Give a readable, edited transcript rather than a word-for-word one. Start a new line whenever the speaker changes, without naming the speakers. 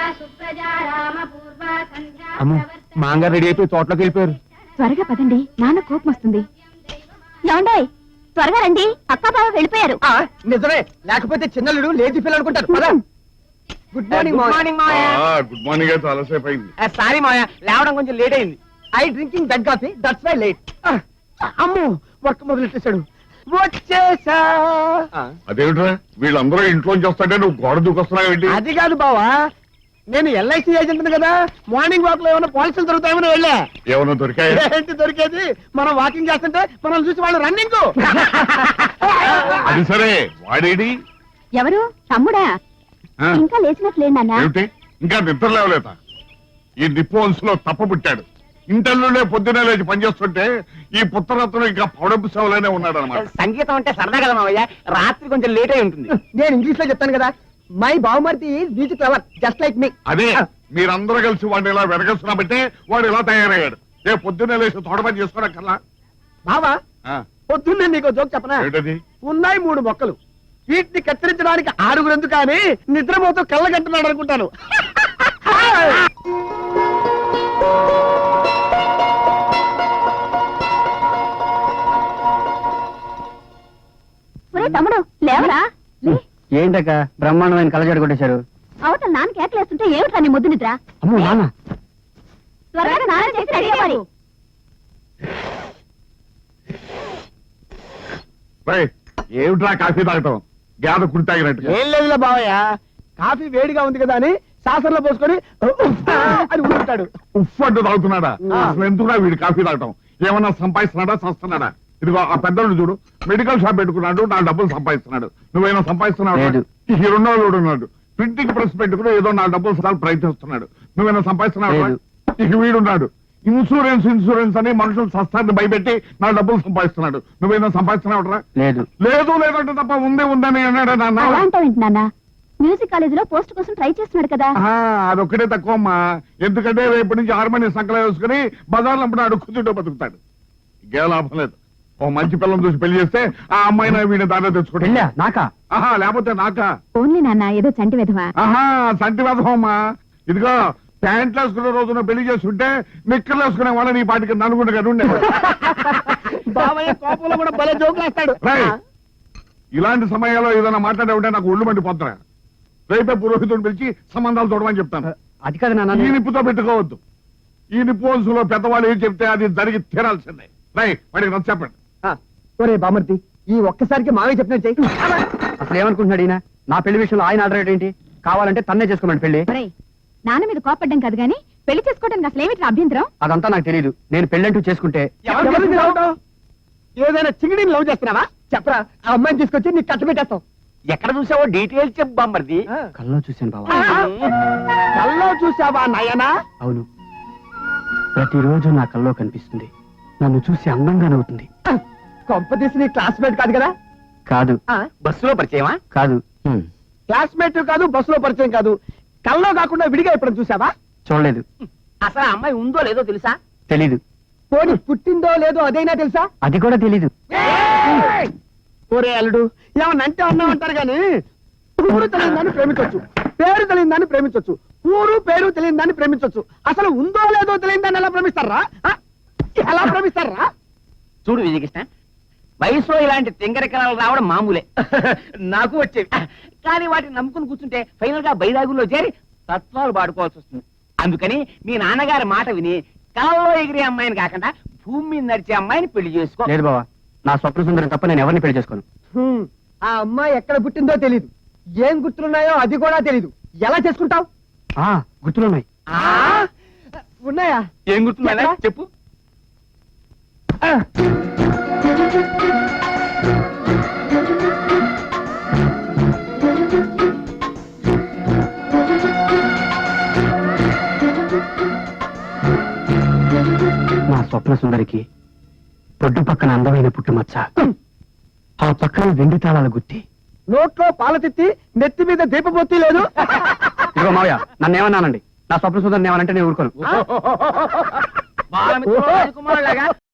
అమ్మో మాంగారు రెడీ అయిపోయి తోటలోకి వెళ్ళిపోయారు.
త్వరగా పదండి, నాన్న కోపం వస్తుంది. ఏమండోయ్, త్వరగా రండి, అక్క బావ వెళ్ళిపోయారు.
నిజమే, లేకపోతే చిన్నలుడు లేచి పిల్లలు అనుకుంటారు. పద. Good morning morning
good morning అయితే అలసేపు అయింది.
సారీ మాయా, లేవడం కొంచెం లేట్ అయింది. I drinking that coffee, that's why late. అమ్మో వర్క్ మొదలెట్టేశాడు. వచ్చేసా.
అదేమిట్రా వీళ్ళందరూ ఇంట్లోంచి వస్తాంటే నువ్వు గోడ దూకొస్తున్నావు ఏంటి?
అది కాదు బావా, నేను ఎల్ఐసి ఏజెంట్ కదా, మార్నింగ్ వాక్ లో ఏమైనా పాలసీలు దొరుకుతాయని వెళ్ళా.
ఏమన్నా దొరికాయి?
ఏంటి దొరికేది, మనం వాకింగ్ చేస్తుంటే మనం చూసి వాళ్ళు రన్నింగ్.
అది సరే, వాడేడి?
ఎవరు? తమ్ముడా?
ఆ?
ఇంకా లేచినట్లే నాన్న.
ఏమిటి ఇంకా నిద్ర లేవలేత? ఈ నిప్పు వంశలో తప్ప పుట్టాడు. ఇంటర్లోనే పొద్దునే లేచి పనిచేస్తుంటే ఈ పుత్రరత్నం ఇంకా పౌడపు సేవలోనే ఉన్నాడు అనమాట.
సంగీతం అంటే సరదా కదా మావయ్య, రాత్రి కొంచెం లేట్ అయి ఉంటుంది. నేను ఇంగ్లీష్ లో చెప్తాను కదా, మై బావమర్ది is clever just like me.
అదే మీరందరూ కలిసి వాడిని ఇలా వెనకేస్తున్నాబట్టే వాడు ఇలా తయారయ్యాడు. రేపు పొద్దున్నే లేచి తోట పని చేసుకోవడం
బావా, పొద్దున్నే నీకు జోక్ చెప్పనా?
ఏంటది?
ఉన్నాయి 3 మొక్కలు, వీటిని కత్తిరించడానికి 6 ఎందుకు కానీ నిద్రపోతూ కళ్ళగంటున్నాడు అనుకుంటాను.
తమ్ముడు లేవరా?
ఏంటక్క బ్రహ్మాండమైన కళ్ళజోడు కొట్టేశారు?
అవతల నాన్న కేకలేస్తుంటే ఏమిట్రా నీ ముద్దు నిద్ర?
అమ్మో నాన్న.
త్వరగా నాన్న చేసి రెడీ అవ్వాలి.
ఏమిట్రా కాఫీ తాగటం? గేద కుడి తాగినట్టు.
ఏం లేదులే బావయ్య, కాఫీ వేడిగా ఉంది కదా అని సాసర్లో పోసుకొని అని ఊరుతాడు.
ఉఫ్ అంటూ తాగుతున్నాడా? అసలు ఎందుకురా వీడు కాఫీ తాగటం? ఏమన్నా సంపాదిస్తున్నాడా చస్తున్నాడా? ఇదిగో ఆ పెద్దోడు చూడు, మెడికల్ షాప్ పెట్టుకున్నాడు, నా డబ్బులు సంపాదిస్తున్నాడు. నువ్వేనా సంపాదిస్తున్నావు? ఈ రెండోడు ఉన్నాడు, ప్రింటింగ్ ప్రెస్ పెట్టుకుని ఏదో నా డబ్బులు ప్రయత్నిస్తున్నాడు. నువ్వేనా సంపాదిస్తున్నావు? ఇక వీడున్నాడు, ఇన్సూరెన్స్ అని మనుషులు సస్తాన్ని భయపెట్టి నా డబ్బులు సంపాదిస్తున్నాడు. నువ్వేనా సంపాదిస్తున్నావురా?
లేదు
లేదు లేదంటే తప్ప ఉందని అన్నాడు నాన్న.
మ్యూజిక్ కాలేజీలో పోస్ట్ కోసం ట్రై చేస్తున్నాడు కదా.
అదొక్కటే తక్కువ అమ్మా, ఎందుకంటే రేపటి నుంచి హార్మోనియం సంకలం వేసుకుని బజార్లో అడుక్కుంటూ బతుకుతాడు. ఇంకే లాభం లేదు. ఓ మంచి పిల్లలు చూసి పెళ్లి చేస్తే ఆ అమ్మాయిని వీడిని దాంట్లో తెచ్చుకుంటా.
నాకా?
లేకపోతే నాకా?
ఓన్లీ నాన్న, ఏదో చంటి విధవా.
సంటి వేధమమ్మా. ఇదిగో ప్యాంట్లు వేసుకునే రోజున పెళ్లి చేసుకుంటే నిక్కర్లు వేసుకునే వాళ్ళని ఈ పాటికి నలుగురు ఉండే.
బావయ్య కోపంలో కూడా భలే జోకులు వేస్తాడు.
ఇలాంటి సమయాల్లో ఏదైనా మాట్లాడే ఉంటే నాకు ఒళ్ళు మండిపోతున్నా. రేపే పురోహితుడిని పిలిచి సంబంధాలు చూడమని చెప్తాను.
అది కాదు నాన్న,
ఈ నిప్పుతో పెట్టుకోవద్దు. ఈ నిప్పు వంశంలో పెద్దవాళ్ళు ఏం చెప్తే అది జరిగి తీరాల్సిందే. వాడికి నచ్చ చెప్పండి.
ఒరే బామర్తి, ఈ ఒక్కసారికి మావయ్య చెప్పినట్టు చెయ్యి. అసలు ఏమనుకుంటున్నాడు ఈయన? నా పెళ్లి విషయంలో ఆయన ఆర్డర్ ఏంటి? కావాలంటే తన్నే చేసుకోమని పెళ్లి.
నాన్న మీద కోపడ్డం కాదు గానీ పెళ్లి చేసుకోవడానికి అసలు ఏమిటి అభ్యంతరం?
అదంతా నాకు తెలియదు. నేను పెళ్ళంటూ చేసుకుంటే ఏదైనా చిగిడిని లవ్ చేస్తున్నావా? చెప్పరా, ఆ అమ్మాయిని తీసుకొచ్చి నీకు కట్ట పెట్టేస్తాం. ఎక్కడ చూసావో డీటెయిల్స్ చెప్పు బామ్మర్ది. కల్లో చూశాను బావా. కల్లో చూసావా నాయనా? అవును, ప్రతిరోజు నా కల్లో కనిపిస్తుంది. నన్ను చూసి అందంగా నవ్వుతుంది. కొంపదీసి నీ క్లాస్మేట్ కాదు కదా? కాదు. బస్సులో పరిచయమా? కాదు. క్లాస్మేట్ కాదు, బస్సులో పరిచయం కాదు. కల్లో కాకుండా విడిగా ఎప్పుడు చూసావా? చూడలేదు. అసలు ఆ అమ్మాయి ఉందో లేదో తెలుసా? తెలీదు. పోనీ పుట్టిందో లేదో అదైనా తెలుసా? అది కూడా తెలీదు. ఓరే అల్లుడు, ఏమన్నంటే అన్నామంటారు గాని ఊరు తెలియని దాన్ని ప్రేమించవచ్చు, పేరు తెలియని దాన్ని ప్రేమించవచ్చు, ఊరు పేరు తెలియని దాన్ని ప్రేమించవచ్చు. అసలు ఉందో లేదో తెలియని దాన్ని ఎలా ప్రేమిస్తారా? ఎలా ప్రేమిస్తారా? చూడు విజయకృష్ణ, వయసులో ఇలాంటి తింగరకరాలు రావడం మామూలే. నాకు వచ్చేవి, కానీ వాటిని నమ్ముకుని కూర్చుంటే ఫైనల్ గా బైరాగుల్లో చేరి తత్వాలు పాడుకోవాల్సి వస్తుంది. అందుకని మీ నాన్నగారి మాట విని కలలో ఎగిరే అమ్మాయిని కాకుండా భూమి మీద నడిచే అమ్మాయిని పెళ్లి చేసుకో. లేదు బావా, నా స్వప్న సుందరం తప్ప నేను ఎవరిని పెళ్లి చేసుకోను. ఆ అమ్మాయి ఎక్కడ పుట్టిందో తెలీదు, ఏం గుర్తులున్నాయో అది కూడా తెలీదు. ఎలా చేసుకుంటావు? గుర్తులున్నాయి. ఉన్నాయా? ఏం గుర్తున్నాయా చెప్పు. నా స్వప్న సుందరికి పొడ్డు పక్కన అందమైన పుట్టుమచ్చ, ఆ పక్కన వెండి తాళాల గుత్తి, నోట్లో పాల తిత్తి, నెత్తి మీద దీపబొత్తి లేదు. ఇదిగో మావయ్య, నన్ను ఏమన్నానండి, నా స్వప్న సుందరిని ఏమనంటే నేను ఊరుకోను.